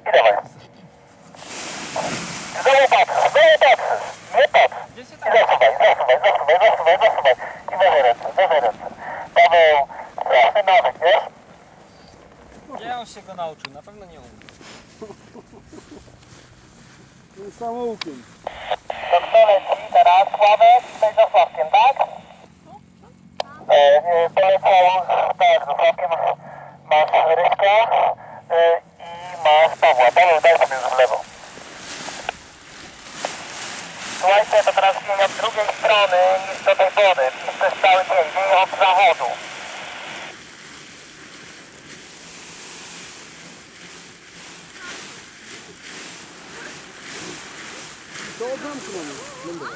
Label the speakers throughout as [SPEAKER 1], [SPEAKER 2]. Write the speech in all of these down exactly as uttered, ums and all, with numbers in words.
[SPEAKER 1] I dawaj. Znowu patrzysz, znowu patrzysz. Nie patrz. I zasuwaj, zasuwaj, zasuwaj, zasuwaj, zasuwaj. I wyżej ręce, wyżej ręce. Paweł, straszny nawyk, wiesz?
[SPEAKER 2] Ja już się go nauczył, na pewno nie umiem.
[SPEAKER 3] To jest samoukiem.
[SPEAKER 1] To kto leci teraz? Sławek? Tutaj za Sławkiem, tak? E, e, poleciał, tak, za Sławkiem masz Ryśka e, i masz Pawła. Paweł, daj sobie już w lewo. Słuchajcie, to teraz wieje od drugiej strony niż do tej wody. Przez cały dzień, wieje od zachodu.
[SPEAKER 3] To od zamku mamy lądować.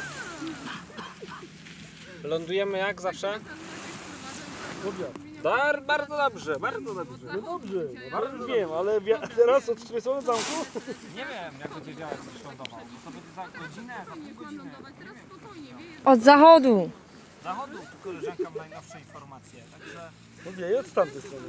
[SPEAKER 2] Lądujemy jak zawsze?
[SPEAKER 3] Dobrze.
[SPEAKER 2] Dar, bardzo dobrze, bardzo dobrze.
[SPEAKER 3] No dobrze, no bardzo wiem, ale teraz od której strony zamku?
[SPEAKER 2] Nie wiem, jak będzie działać, coś lądował. To będzie za godzinę, za pół godziny.
[SPEAKER 4] Od zachodu.
[SPEAKER 2] Zachodu, tu koleżanka ma najnowsze informacje, także...
[SPEAKER 3] No wieje od tamtej strony.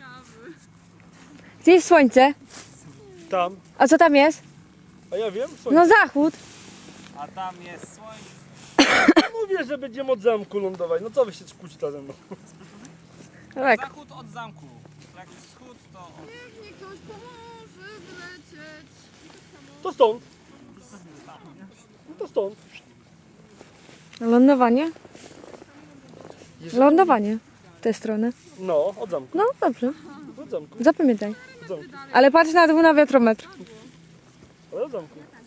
[SPEAKER 4] Gdzie jest słońce?
[SPEAKER 3] Tam.
[SPEAKER 4] A co tam jest?
[SPEAKER 3] A ja wiem,
[SPEAKER 4] No
[SPEAKER 3] słońce.
[SPEAKER 4] zachód.
[SPEAKER 2] A tam jest słońce.
[SPEAKER 3] Mówię, że będziemy od zamku lądować. No co wy się kłócicie ze mną?
[SPEAKER 4] Tak.
[SPEAKER 2] Zachód od zamku. Jak wschód, to... od-
[SPEAKER 5] Niech ktoś pomoże wlecieć.
[SPEAKER 3] To stąd. No to stąd.
[SPEAKER 4] Lądowanie? Lądowanie. W tę stronę.
[SPEAKER 3] No, od zamku.
[SPEAKER 4] No dobrze.
[SPEAKER 3] Od zamku.
[SPEAKER 4] Zapamiętaj.
[SPEAKER 3] Od zamku.
[SPEAKER 4] Ale patrz na dół na wiatrometr.
[SPEAKER 3] Ale od zamku.